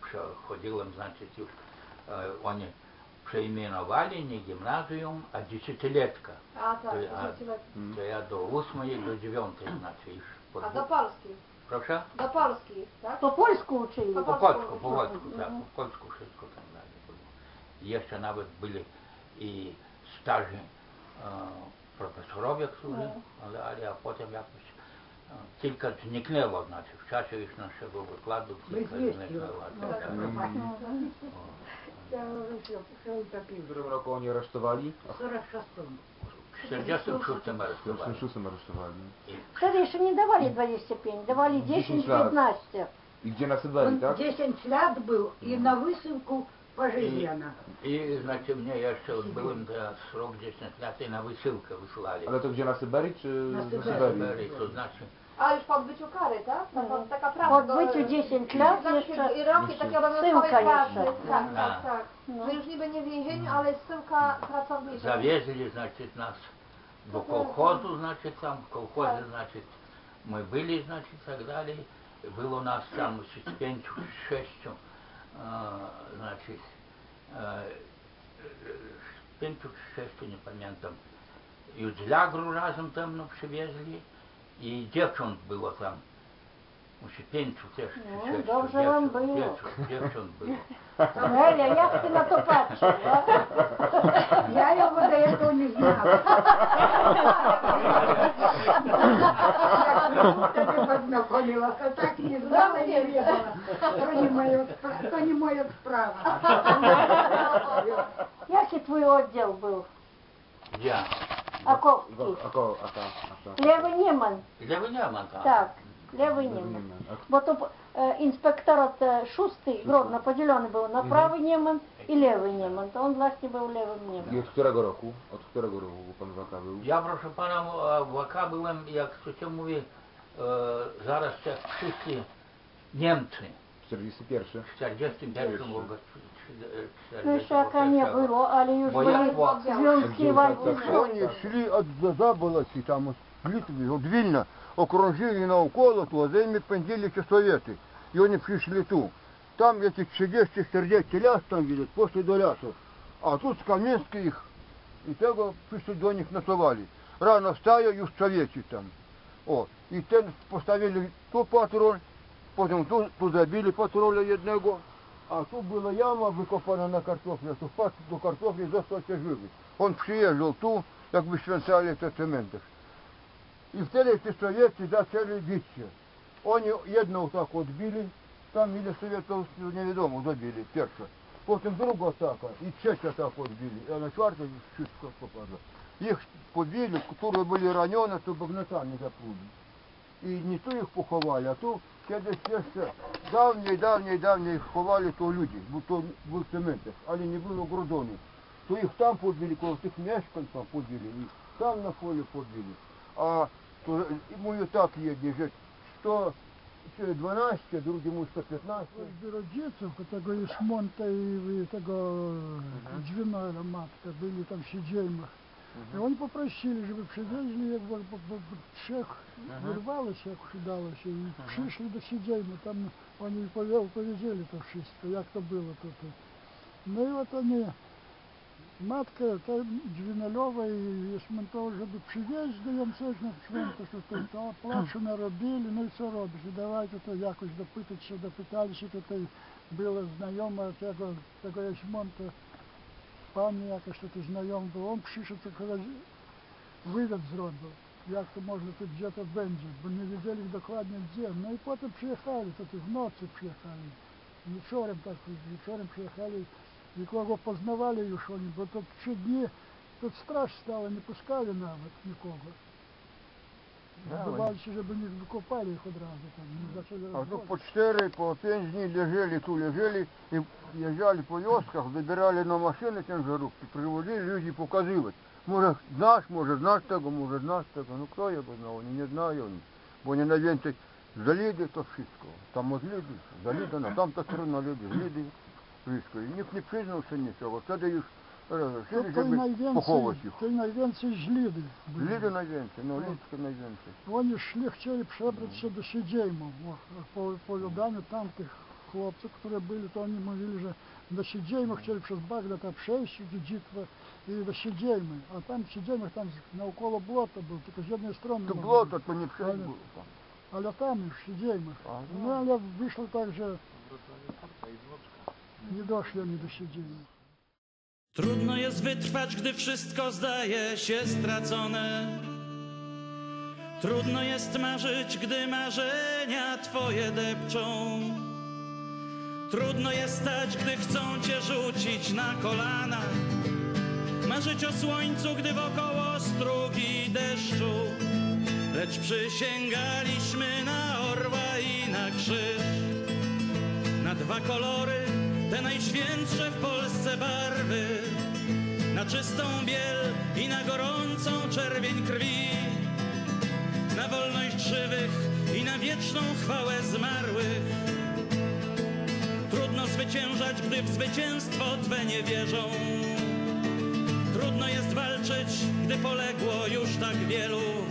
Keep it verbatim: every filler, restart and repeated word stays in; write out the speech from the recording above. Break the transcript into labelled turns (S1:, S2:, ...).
S1: przechodziłem, znaczy już e, oni przeimenowali nie gimnazjum, a dziesięcioletka.
S2: A tak,
S1: To,
S2: dziesięcioletnia.
S1: a, to ja do ósmej, do dziewiątej, znaczy już. Po
S2: A do
S1: dwóch-
S2: Polski?
S1: Proszę?
S2: Do Polski, tak?
S3: Po polsku uczyli.
S2: Po
S1: Po
S2: polsku
S1: polsku, po
S2: uczyli.
S1: polsku, tak, po polsku wszystko tam dalej było. I jeszcze nawet byli i starzy e, profesorowie, którzy, ale, ale a potem jakoś e, kilka zniknęło, znaczy w czasie już naszego wykładu kilka zniknęło. Tak, tak.
S4: W którym roku oni aresztowali?
S1: W czterdziestym szóstym
S4: W
S1: aresztowali.
S4: czterdziestym szóstym aresztowali.
S3: Wtedy jeszcze nie dawali dwadzieścia pięć, dawali dziesięć
S4: lat.
S3: piętnaście.
S4: I gdzie na Syberii, tak?
S5: dziesięć lat był i na wysyłku пожизненно.
S1: I znaczy mnie jeszcze byłem teraz rok dziesięć lat i na wysyłkę wysłali.
S4: Ale to gdzie na Syberii, czy
S5: Na
S4: na
S5: Syberii.
S4: Syberii?
S1: Syberii, to znaczy
S2: A już po odbyciu kary, tak? Taka,
S3: Mhm.
S2: taka
S3: Po
S2: praca. do-
S3: odbyciu dziesięć lat
S2: Znaczy,
S3: jeszcze
S2: i roki takiej obowiązkowej
S3: zsyłka
S2: pracy.
S3: jeszcze.
S2: Tak,
S1: No.
S2: tak, tak.
S3: No.
S2: Że już niby nie w więzieniu, ale zsyłka pracownicza.
S1: zawieźli, znaczy nas do kołchozu, znaczy tam w kołchozie, znaczy my byli, znaczy i tak dalej. Było nas tam z pięciu, sześciu, e, znaczy e, z pięciu czy sześciu, nie pamiętam. I z Lagru razem tam no, przywieźli i dziewcząt było tam. Musi pięciu też, czy
S3: No,
S1: sześciu
S3: dobrze wam
S1: dziewcząt,
S3: było.
S1: dziewcząt, dziewcząt było.
S3: Неля, як ти на то patrzysz?
S5: Я его до этого не знала. Я с познакомилась, а так не знала и не ведала. То не моя спра- то не моя справа.
S3: Який твій відділ був?
S1: Gdzie?
S3: Аковський.
S4: A ko, a ta, a ta.
S3: Левий Німан.
S1: Lewy nie ma tam.
S3: Так, левий
S4: Nie
S3: Німан.
S4: wiem, a
S3: Бо то е, інспекторат е, шостий, гробно поділений був на правий Німан і левий Німан. То він, власне, був левим
S4: I
S3: Німаном.
S4: od którego roku? Od którego roku pan Waka był?
S1: Ja proszę pana w A K byłem, jak to się mówi, e, zaraz jak przyszli Niemcy
S4: czterdziesty pierwszy.
S1: w czterdziestym pierwszym roku.
S3: Ну, ще яка не було, але już
S1: Бо я
S3: були
S1: по-
S3: зв'язки вальки.
S6: Вони йшли від Заболоті, там з Литви, від Вільна, окружили навколо, то за ними пенділися совєти. І вони прийшли ту. Там эти тридцять чотирдесят ляс там видят, после до лясу. А тут з Кам'янська їх, і того прийшли до них насували. Рано встає, і совєті там. О, і те поставили ту патруль, потім ту, ту забили патруля одного. А тут была яма выкопана на картофле, то впад до картофля зостался живый. Он приезжал ту, как бы свинцали это цементов. И втedy эти советы начали биться. Они одного так вот били, там или советов неведомо забили, перша. Потом другого атака, и третья так вот били. А на четвертый чуть-чуть попало. Их побили, которые были ранены, то багната не запули. І не то їх поховали, а то кудись ще давні, давні, давні їх ховали, то люди, бо то був цементах, але не було грудонів. То їх там побили, коло тих мешканців побили, і там на полі побили. А то йому так є, що сто дванадцять, другому сто п'ятнадцять.
S7: Rodziców, tego jest Monta i tego Dźwinola matka, byli tam w Siedziejmach. I oni poprosili, żeby przywieźli, jak bo, bo, bo trzech wyrwało się, jak udało się i przyszli do Siedziejmy, tam oni powiedzieli to wszystko, jak to było. To, to. No i вот они, matka ta Dźwinolowa i jest mentor, żeby przywieźć do ją coś na święto, що то, то плачу наробили, ну і що робиш, і давайте то якось допитати, допиталися, то була знайома tego, tego Ясьмонта, Pani jakaś to znajomy był, on przyszedł, to wywiad zrobił, jak to może tu gdzie to będzie, bo nie wiedzieli dokładnie gdzie. No i potem przyjechali, to w nocy przyjechali, wieczorem tak, wieczorem przyjechali i kogo poznawali już oni, bo to trzy dni, to straż stała, nie puszczali nawet nikogo. Zdawali się, żeby nie wykopali ich od razu, tam, nie zaczęli
S6: А то
S7: rozwozić.
S6: по четыре, по пять дней лежали, ту лежали, и езжали по вёсках, забирали на машины тяжеловки, привозили, люди показывать. Может, знаешь, может, знаешь того, может, знаешь того. Ну, кто я бы знал, они не знаю. Бо они на венце заліди, то wszystko. Там от люди, залідано, там то трудно люди, люди, wszystko. I nikt nie przyznał się niczego. Wtedy już
S7: To,
S6: решили,
S7: to,
S6: żeby
S7: najwięcej,
S6: pochować ich.
S7: to najwięcej źlidy byli.
S6: Люди najwięcej, no ludzkie najwięcej.
S7: Oni szli, chcieli przebrać się do Siedziejmu, po opowiadaniu tamtych хлопцów, które byli, to oni mówili, że dosiedziemy, chcieli przez Bagdad przejść, dziedziczkę i dosiedziemy. A tam siedziemy, tam naokoło błoto było, tylko z jednej strony.
S6: To
S7: mogło
S6: błoto,
S7: być.
S6: to nie przejść
S7: Ale-
S6: było tam.
S7: Ale tam już siedziemy.
S6: Aha.
S7: No ale wyszło tak, że nie doszli oni do siedzenia.
S8: Trudno jest wytrwać, gdy wszystko zdaje się stracone. Trudno jest marzyć, gdy marzenia twoje depczą. Trudno jest stać, gdy chcą cię rzucić na kolana. Marzyć o słońcu, gdy wokoło strugi deszczu. Lecz przysięgaliśmy na orła i na krzyż. Na dwa kolory, te najświętsze w Polsce barwy. Na czystą biel i na gorącą czerwień krwi. Na wolność żywych i na wieczną chwałę zmarłych. Trudno zwyciężać, gdy w zwycięstwo Twe nie wierzą. Trudno jest walczyć, gdy poległo już tak wielu.